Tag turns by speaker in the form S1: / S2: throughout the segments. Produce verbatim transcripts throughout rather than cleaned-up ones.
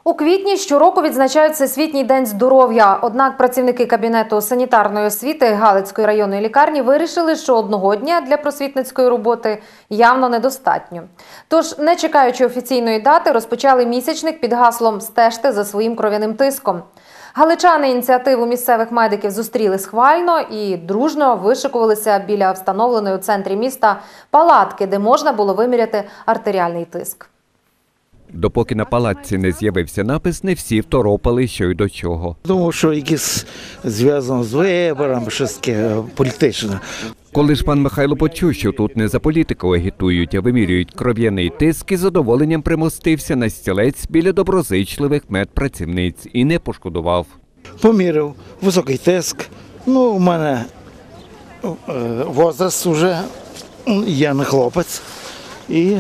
S1: У квітні щороку відзначають Всесвітній день здоров'я. Однак працівники Кабінету санітарної освіти Галицької районної лікарні вирішили, що одного дня для просвітницької роботи явно недостатньо. Тож, не чекаючи офіційної дати, розпочали місячник під гаслом «Стежте за своїм кров'яним тиском». Галичани ініціативу місцевих медиків зустріли схвально і дружно вишикувалися біля встановленої у центрі міста палатки, де можна було виміряти артеріальний тиск.
S2: Допоки на палатці не з'явився напис, не всі второпали, що й до чого.
S3: Думаю, що якесь зв'язано з виборами, щось таке політичне.
S2: Коли ж пан Михайло почув, що тут не за політику агітують, а вимірюють кров'яний тиск, із задоволенням примостився на стілець біля доброзичливих медпрацівниць і не пошкодував.
S3: Поміряв високий тиск. Ну, у мене возраст вже, я не хлопець, і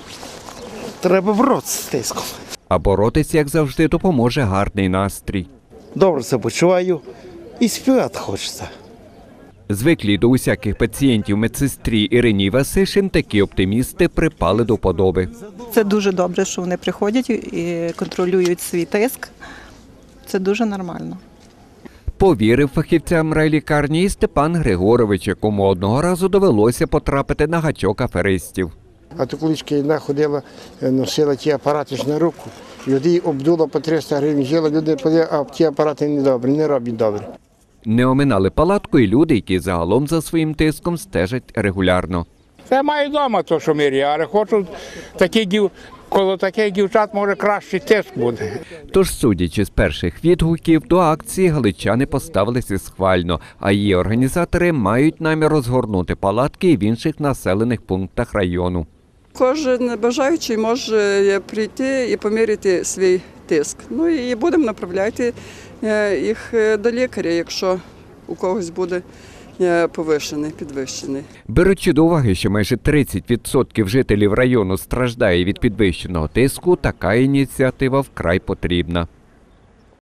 S3: треба боротися з тиском.
S2: А боротися, як завжди, допоможе гарний настрій.
S3: Добре себе почуваю і співати хочеться.
S2: Звиклі до усяких пацієнтів медсестрі Ірині Васишин такі оптимісти припали до вподоби.
S4: Це дуже добре, що вони приходять і контролюють свій тиск. Це дуже нормально.
S2: Повірив фахівцям райлікарні і Степан Григорович, якому одного разу довелося потрапити на гачок аферистів.
S5: А то колишки одна ходила, носила ті апарати ж на руку, людей обдуло по триста гривень, жила, люди подивили, а ті апарати не добрі, не роблять добре.
S2: Не оминали палатку і люди, які загалом за своїм тиском стежать регулярно.
S6: Я маю вдома то, що міряю, але хочу такі дів, коло таких дівчат може кращий тиск буде.
S2: Тож, судячи з перших відгуків, до акції галичани поставилися схвально, а її організатори мають намір розгорнути палатки і в інших населених пунктах району.
S7: Кожен бажаючий може прийти і поміряти свій тиск. Ну і будемо направляти їх до лікаря, якщо у когось буде повищений, підвищений.
S2: Беручи до уваги, що майже тридцять відсотків жителів району страждає від підвищеного тиску, така ініціатива вкрай потрібна.